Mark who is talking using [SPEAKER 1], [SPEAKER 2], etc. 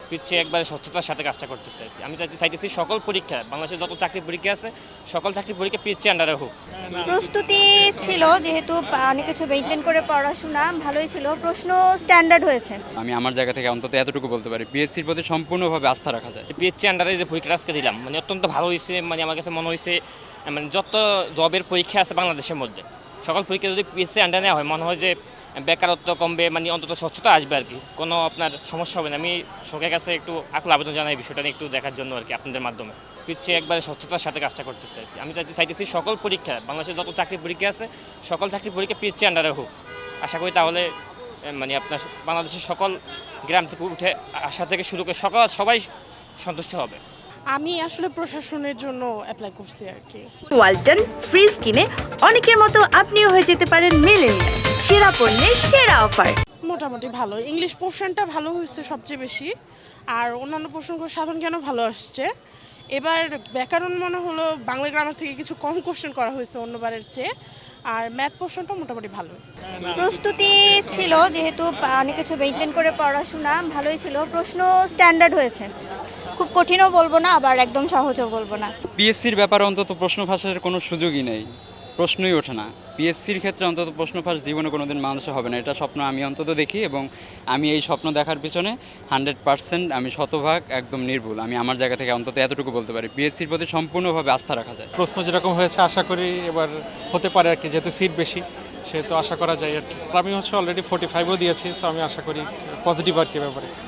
[SPEAKER 1] পিছিয়ে একবারে স্বচ্ছতার সাথে কাজটা করতেছে। আমি চাইতেছি সকল পরীক্ষা, বাংলাদেশের যত চাকরি পরীক্ষা আছে সকল চাকরি পরীক্ষা পিছিয়ে আন্ডারে হোক।
[SPEAKER 2] প্রস্তুতি ছিল, যেহেতু অনেক কিছু মেনটেন করে পড়াশোনা ভালোই ছিল, প্রশ্ন স্ট্যান্ডার্ড হয়েছে।
[SPEAKER 3] আমি আমার জায়গা থেকে অন্তত এতটুকু বলতে পারি, পিএসসির প্রতি সম্পূর্ণভাবে আস্থা রাখা যায়।
[SPEAKER 1] পিছিয়ে আন্ডারে যে পরীক্ষাটা আজকে দিলাম মানে অত্যন্ত ভালো হয়েছে। মানে আমার কাছে মনে হয়েছে মানে যত জবের পরীক্ষা আছে বাংলাদেশের মধ্যে সকল পরীক্ষা যদি পিএসসি আন্ডারে নেওয়া হয় মনে হয় যে বেকারত্ব কমবে, মানে অন্তত স্বচ্ছতা আসবে আর কি, কোনো আপনার সমস্যা হবে না। আমি সরকারের কাছে একটু আকুল আবেদন জানাই বিষয়টা নিয়ে একটু দেখার জন্য আর কি, আপনাদের মাধ্যমে। পিছিয়ে একবারে স্বচ্ছতার সাথে কাজটা করতেছে আর কি। আমি চাইতেছি সকল পরীক্ষা, বাংলাদেশের যত চাকরি পরীক্ষা আছে সকল চাকরি পরীক্ষা পিছিয়ে আন্ডারে হোক। আশা করি তাহলে মানে আপনার বাংলাদেশের সকল গ্রাম থেকে উঠে আসা থেকে শুরু করে সবাই সন্তুষ্ট হবে।
[SPEAKER 4] আমি আসলে প্রশাসনের জন্য অ্যাপ্লাই করছি আর কি।
[SPEAKER 5] ওয়ালটন ফ্রিজ কিনে অনেকের মতো আপনিও হয়ে যেতে পারেন মিলেনিয়াল। সেরা পণ্যের সেরা অফার।
[SPEAKER 4] মোটামুটি ভালো, ইংলিশ পোর্শনটা ভালো হয়েছে সবচেয়ে বেশি, আর অন্যান্য পোর্শনগুলো সাধারণ জ্ঞান ভালো আসছে। এবার ব্যাকরণ মনে হলো বাংলা গ্রামার থেকে কিছু কম কোশ্চেন করা হয়েছে অন্যবারের চেয়ে, আর ম্যাথ পোর্শনটা মোটামুটি ভালো।
[SPEAKER 2] প্রস্তুতি ছিল, যেহেতু অনেক কিছু মেনটেন করে পড়াশোনা ভালোই ছিল, প্রশ্ন স্ট্যান্ডার্ড হয়েছে। খুব কঠিনও বলবো না, আবার একদম সহজও বলবো না।
[SPEAKER 3] পিএসসির ব্যাপারে অন্তত প্রশ্ন ফাঁসের কোনো সুযোগই নেই, প্রশ্নই ওঠে না। পিএসসির ক্ষেত্রে অন্তত প্রশ্ন ফাঁস জীবনে কোনো দিন মানুষের হবে না, এটা স্বপ্ন আমি অন্তত দেখি, এবং আমি এই স্বপ্ন দেখার পিছনে 100% আমি শতভাগ একদম নির্ভুল। আমি আমার জায়গা থেকে অন্তত এতটুকু বলতে পারি, পিএসসির প্রতি সম্পূর্ণভাবে আস্থা রাখা যায়।
[SPEAKER 6] প্রশ্ন যেরকম হয়েছে আশা করি এবার হতে পারে আর কি, যেহেতু সিট বেশি সেহেতু আশা করা যায় আর কি। আমি অলরেডি 45ও দিয়েছি, সো আমি আশা করি পজিটিভ আর কি ব্যাপারে।